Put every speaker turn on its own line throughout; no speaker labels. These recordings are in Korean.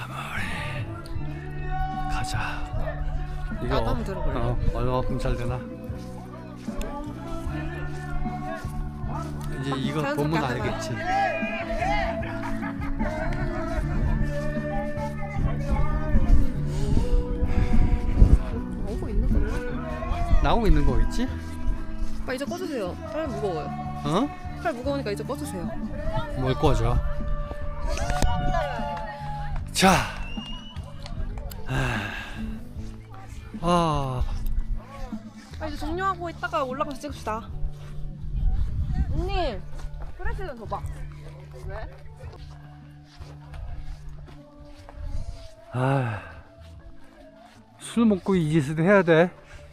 가자. 이거
나도 한번 들어볼래?
얼마만큼 잘 되나? 이제 이거
자연스럽게
보면
하는 거야.
알겠지.
나오고 있는 거네.
나오고 있는 거겠지?
오빠 이제 꺼주세요. 팔 무거워요.
어?
팔 무거우니까 이제 꺼주세요.
뭘 꺼져? 자,
이제 종료하고 있다가 올라가서 찍읍시다. 언니, 프레스 좀 줘봐. 왜?
술 먹고 이 짓을 해야 돼.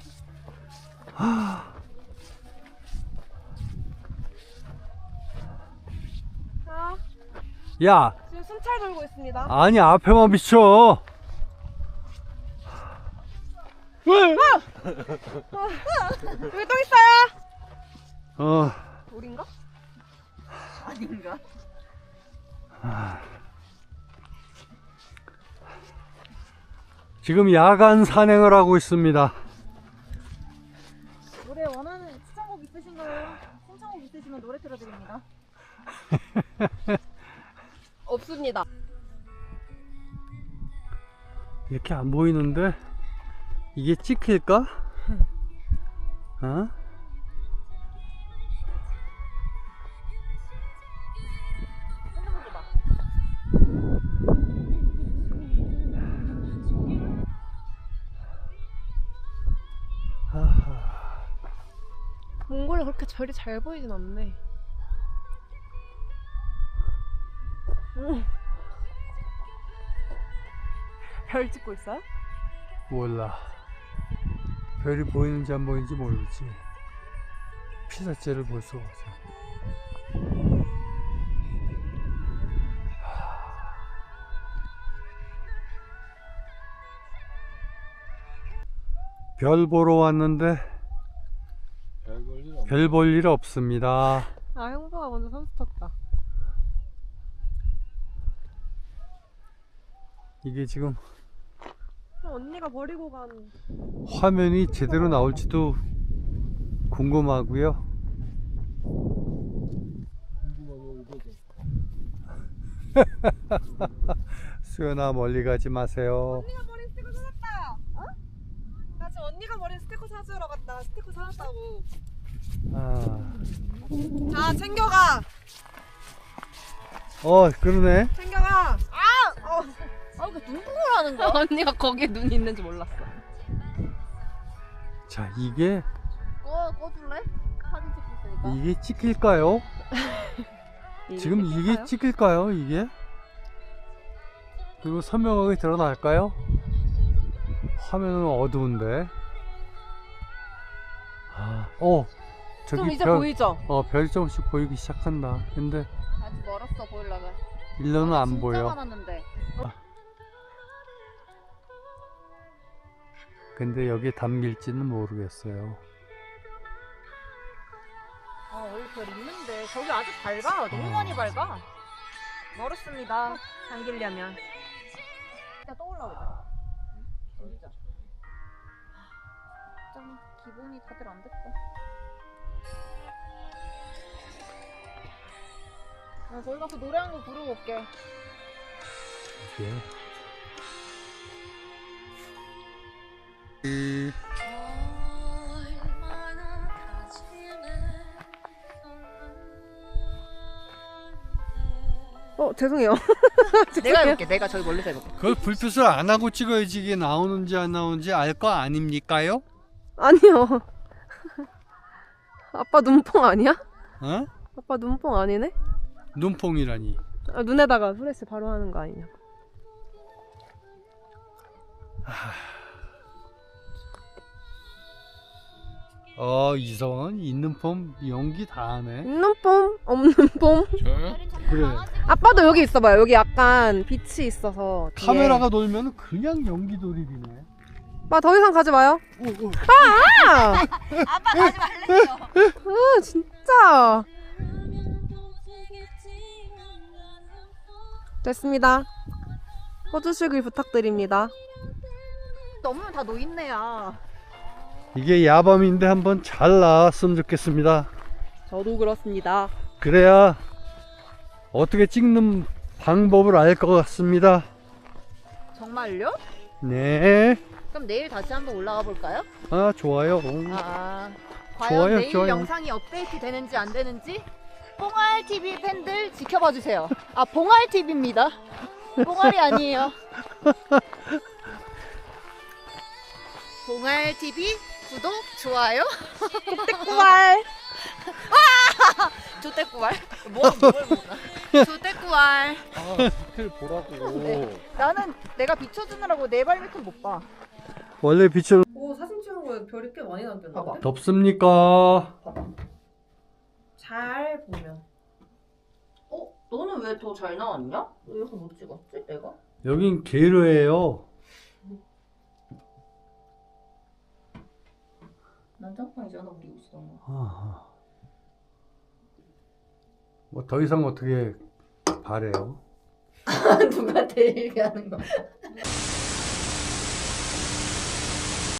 자,
야,
지금 순찰 돌고 있습니다.
아니 앞에만 비춰. 왜?
여기 또 있어요.
어,
우린가? 아닌가?
지금 야간 산행을 하고 있습니다.
노래 원하는 추천곡 있으신가요? 신청곡 있으시면 노래 틀어드립니다.
없습니다.
이렇게 안 보이는데 이게 찍힐까? 어?
몽골이 그렇게 별이 잘 보이진 않네. 별 찍고 있어요?
몰라. 별이 보이는지 안 보이는지 모르지. 피사체를 볼 수가 없어. 별 보러 왔는데 별 볼 일 없습니다.
아, 형부가 먼저 선수 탔다.
이게 지금
언니가 버리고 간.
화면이 제대로 나올지도 궁금하고요. 수연아 멀리 가지 마세요.
언니가 버린 스티커 사왔다. 어? 나 지금 언니가 버린 스티커 사주러 갔다. 스티커 사왔다고. 자, 챙겨가.
그러네.
챙겨가.
아, 왜 눈뽕을 하는 거야?
언니가 거기에 눈이 있는지 몰랐어.
자, 이게
꺼줄래? 사진 찍고 있으니까.
이게 찍힐까요? 지금 이게 찍힐까요? 이게? 그리고 선명하게 드러날까요? 화면은 어두운데. 저기
좀 이제
별,
보이죠?
별이 조금씩 보이기 시작한다. 근데
아직 멀었어 보이려면.
일로는 안
진짜
보여.
많았는데.
근데 여기에 담길지는 모르겠어요.
원래 별 있는데 저기 아주 밝아. 너무 많이 밝아. 멀었습니다. 당기려면. 진짜 떠올라오자. 진짜. 좀 기분이 다들 안 됐어. 거기 가서 노래 한 곡 부르고 올게.
예.
죄송해요.
내가 해볼게. 내가 저기 멀리서 해볼게.
그걸 불빛을 안 하고 찍어야지 이게 나오는지 안 나오는지 알 거 아닙니까요?
아니요. 아빠 눈뽕 아니야?
어?
아빠 눈뽕 아니네?
눈뽕이라니.
눈에다가 프레스 바로 하는 거 아니냐?
이성은 있는 폼 연기 다 하네.
있는 폼, 없는 폼.
그래.
아빠도 여기 있어봐요. 여기 약간 빛이 있어서. 뒤에.
카메라가 돌면 그냥 연기 돌입이네.
아빠 더 이상 가지 마요.
아빠 가지 말랬어.
진짜. 됐습니다. 꺼주시길 부탁드립니다.
너무 다 노인네야.
이게 야밤인데 한번 잘 나왔으면 좋겠습니다.
저도 그렇습니다.
그래야 어떻게 찍는 방법을 알 것 같습니다.
정말요?
네.
그럼 내일 다시 한번 올라가 볼까요?
아, 좋아요.
과연
좋아요,
내일
좋아요.
영상이 업데이트 되는지 안 되는지 뽕알TV 팬들 지켜봐 주세요. 아, 봉알TV입니다. 뽕알이 아니에요. 봉알TV 구독, 좋아요.
떼꾸알.
조떼꾸알. 뭘 몰라. 조떼꾸알.
아, 밑을 보라고.
네. 나는 내가 비춰주느라고 내 발 밑은 못 봐.
원래 빛을
오, 사진 찍은 거에 별이 꽤 많이 남겼는데?
봐봐.
덥습니까?
잘 보면.
너는 왜 더 잘 나왔냐? 왜 이렇게 못 찍었지, 내가?
여긴 게르예요.
난 짬뽕이잖아, 우리 옷이잖아.
뭐 더 이상 어떻게 바래요?
누가 대 얘기하는 거야?